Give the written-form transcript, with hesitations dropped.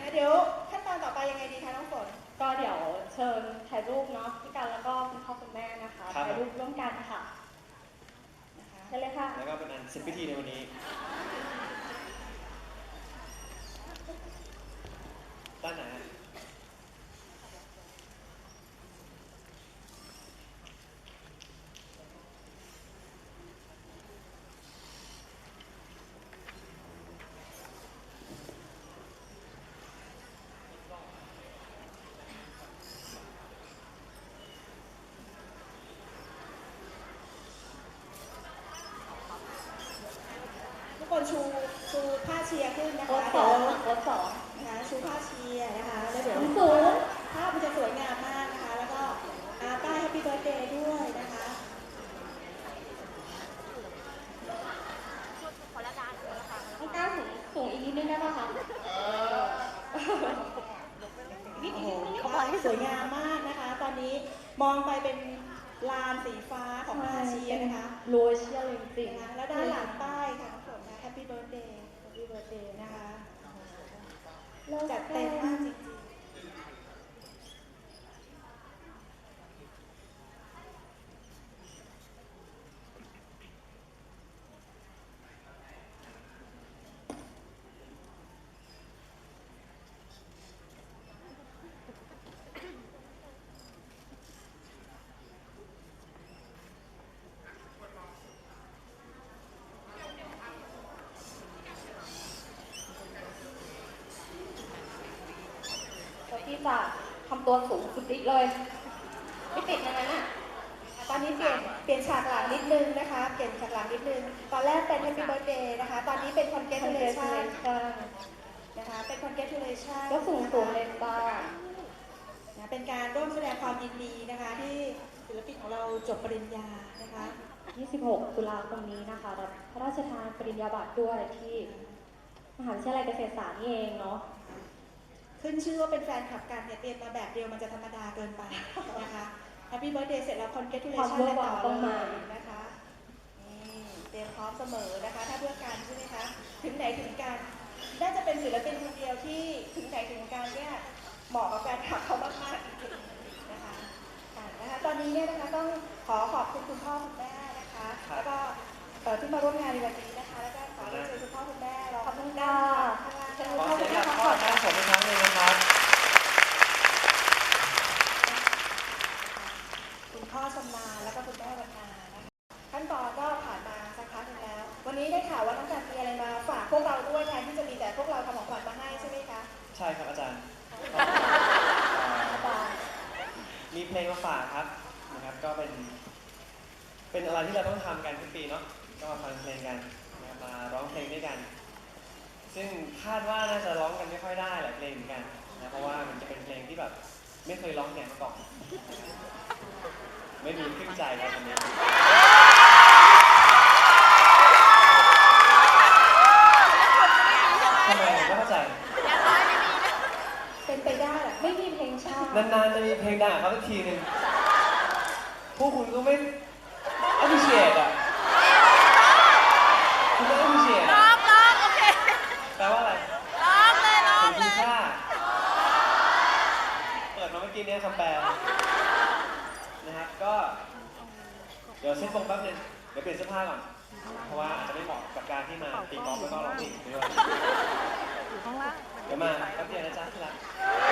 เดี๋ยวขั้นตอนต่อไปยังไงดีคะน้องฝนก็เดี๋ยวเชิญถ่ายรูปเนาะพี่กันแล้วก็คุณพ่อคุณแม่นะคะถ่ายรูปร่วมกันค่ะได้เลยค่ะแล้วก็เป็นอันเสร็จพิธีในวันนี้ด้านไหนคนชูผ้าเชียร์ขึ้นนะคะโค้ดสองนะคะชูผ้าเชียร์นะคะแล้วเดี๋ยวภาพมันจะสวยงามมากนะคะแล้วก็ป้าย Happy Birthday ด้วยนะคะต้องก้าวสูงอีกนิดนึงได้ไหมคะโอ้โหสวยงามมากนะคะตอนนี้มองไปเป็นลานสีฟ้าของผ้าเชียร์นะคะโรยเชียร์จริงๆแล้วด้านหลังป้ายค่ะน้องฝนนะ Happy Birthday Happy Birthday นะคะจัดเต็มมากจริงๆที่จะทำตัวสูงสุดฤทธิ์เลยไม่ติดนะน่ะตอนนี้เปลี่ยนฉากหลังนิดนึงนะคะเปลี่ยนฉากหลังนิดนึงตอนแรกเป็น Happy Birthday นะคะตอนนี้เป็น Congratulation นะคะเป็น Congratulation ก็สูงเลยบ้านะเป็นการร่วมแสดงความยินดีนะคะที่ศิลปินของเราจบปริญญานะคะ 26 ตุลาคมนี้นะคะรับพระราชทานปริญญาบัตรด้วยที่มหาวิทยาลัยเกษตรศาสตร์นี่เองเนาะขึ้นชื่อว่าเป็นแฟนคลับกันเนี่ยเตรียมมาแบบเดียวมันจะธรรมดาเกินไปนะคะ Happy Birthday เสร็จแล้ว Congratulation ต่อเลยนะคะเตรียมพร้อมเสมอนะคะถ้าเพื่อการใช่ไหมคะถึงไหนถึงกันน่าจะเป็นศิลปินคนเดียวที่ถึงไหนถึงกันเนี่ยเหมาะกับแฟนคลับเขามากๆจริงๆนะคะตอนนี้เนี่ยนะคะต้องขอบคุณคุณพ่อคุณแม่นะคะแล้วก็ที่มาร่วมงานในวันนี้นะคะแล้วก็ขอเชิญคุณพ่อคุณแม่ขอบคุณค่ะเชิญคุณพ่อคุณแม่ขอแม่ผมอีกครั้งหนึ่งนะครับคุณพ่อชำนาญแล้วก็คุณแม่วรรณานะคะขั้นตอนก็ผ่านมาสักพักนึงแล้ววันนี้ได้ข่าวว่าน้องการมีอะไรมาฝากพวกเราด้วยแทนที่จะมีแต่พวกเราทำของขวัญมาให้ใช่ไหมคะใช่ครับอาจารย์มีเพลงมาฝากครับนะครับก็เป็นอะไรที่เราต้องทำกันทุกปีเนาะก็มาฟังเพลงกันมาร้องเพลงด้วยกันซึ่งคาดว่าน่าจะร้องกันไม่ค่อยได้หลายเพลงเหมือนกันนะเพราะว่ามันจะเป็นเพลงที่แบบไม่เคยร้องเนี่ยมาก่อนไม่มีครึ่งใจครับวันนี้ทำไมผมไม่เข้าใจเป็นไปได้แหละไม่มีเพลงชาตินานๆจะมีเพลงดังเขาสักทีนึงพวกคุณก็ไม่ appreciate อ่ะคุณไม่ appreciate ร้องโอเคแปลว่าอะไรร้องเลยถึงค่าเปิดมาเมื่อกี้นี้คำแปลนะครับก็เดี๋ยวเซ็ตทรงแป๊บนึงเดี๋ยวเปลี่ยนเสื้อผ้าก่อนเพราะว่าอาจจะไม่เหมาะกับการที่มาตีกอล์ฟแล้วก็ร้องเพลงด้วยเดี๋ยวมาแป๊บเดียวนะจ๊ะที่รัก